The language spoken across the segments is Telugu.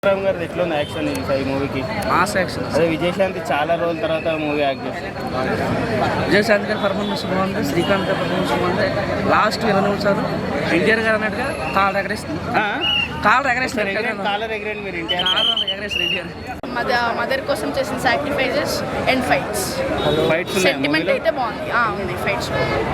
రామ్ గారు ఎట్లా ఉంది యాక్షన్ ఈ మూవీకి? Mass action. అదే విజయశాంతి చాలా రోజుల తర్వాత మూవీ యాక్ట్ చేస్తుంది. విజయశాంతి గారి పర్ఫార్మెన్స్ బాగుంది, శ్రీకాంత్ గారి పర్ఫార్మెన్స్ బాగుంది. లాస్ట్ 20 నిమిషాలు ఎన్టీఆర్ గారు అన్నట్టుగా కాళ్ళు ఎగరేస్తుంది. కాళ్ళు ఎగరేస్తారు, కాలర్ ఎగరేండి మీరు ఎగరేస్తారు ఎన్టీఆర్. మదర్ కోసం చేసిన సాక్రిఫైజెస్ అండ్ ఫైట్స్. సెంటిమెంట్ అయితే బాగుంది. ఫైట్స్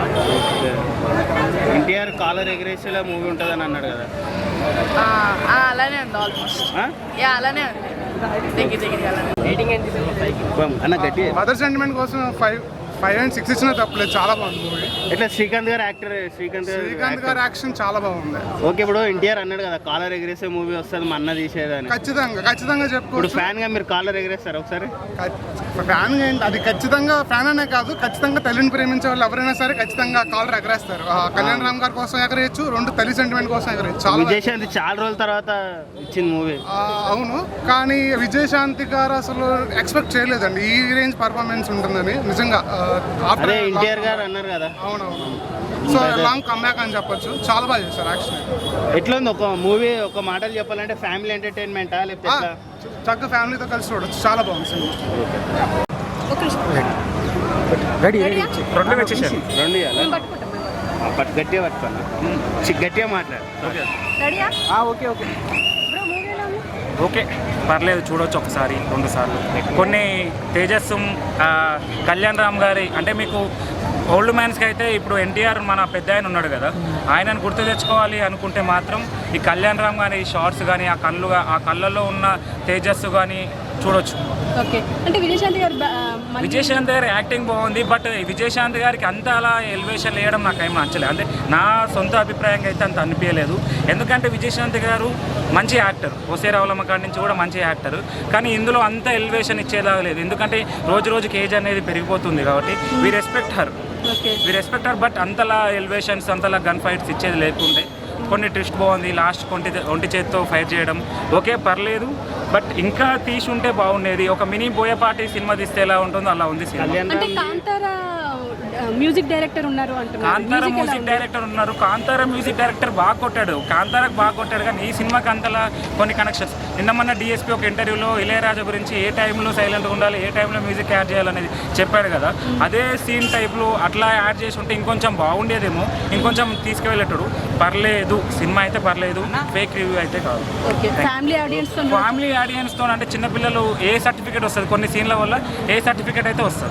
ఎన్టీఆర్ కాలర్ ఎగరేసేలా మూవీ ఉంటుందని అన్నాడు కదా, అలానే ఉంది ఆల్మోస్ట్. అలానే ఉంది, దగ్గర అన్న గట్టి. మదర్ సెంటిమెంట్ కోసం 5 and 6 ఇచ్చినా తప్పలేదు, చాలా బాగుంది మూవీ. ఎట్లా శ్రీకాంత్ గారు యాక్టర్? శ్రీకాంత్ గారి యాక్షన్ చాలా బాగుంది. ఓకే, ఇప్పుడు ఎన్టీఆర్ అన్నాడు కదా కాలర్ ఎగరేసే మూవీ వస్తుంది మా అన్న తీసేదని. ఖచ్చితంగా చెప్పుకోవచ్చు. ఇప్పుడు ఫ్యాన్ గా మీరు కాలర్ ఎగరేస్తారు ఒకసారి? ఫ్యాన్ ఏంటి అది, ఖచ్చితంగా ఫ్యాన్ అనే కాదు, ఖచ్చితంగా తల్లిని ప్రేమించే వాళ్ళు ఎవరైనా సరే ఖచ్చితంగా కాలర్ ఎగరేస్తారు. కళ్యాణ్ రామ్ గారి కోసం ఎగరేయచ్చు, 2 తల్లి సెంటిమెంట్ కోసం ఎగరేయచ్చు. విజయశాంతి చాలా రోజుల తర్వాత ఇచ్చింది మూవీ. అవును, కానీ విజయశాంతి గారు అసలు ఎక్స్పెక్ట్ చేయలేదండి ఈ రేంజ్ పర్ఫార్మెన్స్ ఉంటుందని నిజంగా. అదే ఎన్టీఆర్ గారు అన్నారు కదా. అవునవును, సో లాంగ్ కమ్బ్యాక్ అని చెప్పొచ్చు. చాలా బాగా చేశారు యాక్షన్. ఎట్లా ఉంది ఒక మూవీ? ఒక మాటలు చెప్పాలంటే ఫ్యామిలీ ఎంటర్టైన్మెంటా లేకపోతే చక్కగా ఫ్యామిలీతో కలిసి చూడొచ్చు, చాలా బాగుంది సినిమా. గట్టిగా పట్టుకోండి, గట్టిగా మాట్లాడు. ఓకే పర్లేదు, చూడవచ్చు ఒకసారి 2 సార్లు. కొన్ని తేజస్సు కళ్యాణ్ రామ్ గారి అంటే మీకు ఓల్డ్ మ్యాన్స్కి అయితే ఇప్పుడు ఎన్టీఆర్ మన పెద్ద ఆయన ఉన్నాడు కదా, ఆయనను గుర్తు తెచ్చుకోవాలి అనుకుంటే మాత్రం ఈ కళ్యాణ్ రామ్ కానీ షార్ట్స్ కానీ ఆ కళ్ళల్లో ఉన్న తేజస్సు కానీ చూడొచ్చు. అంటే విజయశాంతి గారి యాక్టింగ్ బాగుంది, బట్ విజయశాంతి గారికి అంత అలా ఎలివేషన్ వేయడం నాకు ఏం నచ్చలేదు. అంటే నా సొంత అభిప్రాయంగా అయితే అంత అనిపించలేదు. ఎందుకంటే విజయశాంతి గారు మంచి యాక్టర్, ఓసే రావులమ్మ కాడి నుంచి కూడా మంచి యాక్టర్, కానీ ఇందులో అంత ఎలివేషన్ ఇచ్చేలాగా లేదు. ఎందుకంటే రోజుకి ఏజ్ అనేది పెరిగిపోతుంది కాబట్టి వి రెస్పెక్ట్ హర్, బట్ అంతలా ఎలివేషన్స్ అంతలా గన్ ఫైట్స్ ఇచ్చేది లేకుండే. కొన్ని ట్విస్ట్ బాగుంది, లాస్ట్ ఒంటి చేతితో ఫైట్ చేయడం ఓకే పర్లేదు, బట్ ఇంకా తీసి ఉంటే బాగుండేది. ఒక మినీ బోయపాటి సినిమా తీస్తే ఎలా ఉంటుందో అలా ఉంది సినిమా. కాంతారా మ్యూజిక్ డైరెక్టర్ ఉన్నారు. కాంతారా మ్యూజిక్ డైరెక్టర్ బాగా కొట్టాడు, కాంతారాకు బాగా కొట్టాడు, కానీ ఈ సినిమాకి అంతలా కొన్ని కనెక్షన్స్. నిన్న మొన్న డిఎస్పీ ఒక ఇంటర్వ్యూలో ఇళయరాజా గురించి ఏ టైంలో సైలెంట్గా ఉండాలి, ఏ టైంలో మ్యూజిక్ యాడ్ చేయాలనేది చెప్పాడు కదా, అదే సీన్ టైప్లో అట్లా యాడ్ చేసి ఉంటే ఇంకొంచెం బాగుండేదేమో, ఇంకొంచెం తీసుకువెళ్ళేటాడు. పర్లేదు, సినిమా అయితే పర్లేదు, ఫేక్ రివ్యూ అయితే కాదు. ఫ్యామిలీ ఆడియన్స్తో అంటే చిన్నపిల్లలు ఏ సర్టిఫికేట్ వస్తుంది, కొన్ని సీన్ల వల్ల ఏ సర్టిఫికేట్ అయితే వస్తుంది.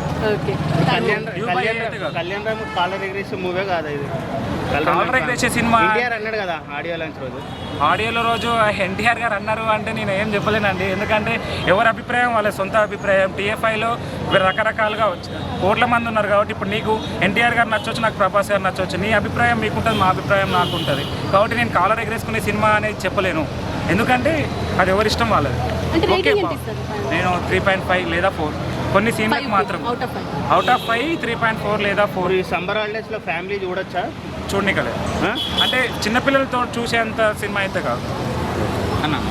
కళ్యాణ్ రామ్ కాలర్ ఎగరేసే మూవీ కాదు ఇది. కాలర్ ఎగరేసే సినిమా ఎన్టీఆర్ అన్నాడు కదా ఆడియోలో రోజు ఎన్టీఆర్ గారు అన్నారు అంటే నేను ఏం చెప్పలేనండి. ఎందుకంటే ఎవరి అభిప్రాయం వాళ్ళ సొంత అభిప్రాయం. టీఎఫ్ఐలో రకరకాలుగా కోట్ల మంది ఉన్నారు కాబట్టి ఇప్పుడు నీకు ఎన్టీఆర్ గారు నచ్చవచ్చు, నాకు ప్రభాస్ గారు నచ్చవచ్చు. నీ అభిప్రాయం మీకుంటుంది, మా అభిప్రాయం నాకు ఉంటుంది. కాబట్టి నేను కాలర్ ఎగరేసుకునే సినిమా అనేది చెప్పలేను, ఎందుకంటే అది ఎవరి ఇష్టం వాళ్ళది. ఓకే, నేను 3.5 లేదా 4, కొన్ని సీన్లకు మాత్రం అవుట్ ఆఫ్ 5 3.4 లేదా 4. ఈ సమ్మర్ హాలిడేస్లో ఫ్యామిలీ చూడొచ్చా? చూడనికలేదు, అంటే చిన్నపిల్లలతో చూసేంత సినిమా అయితే కాదు అన్న.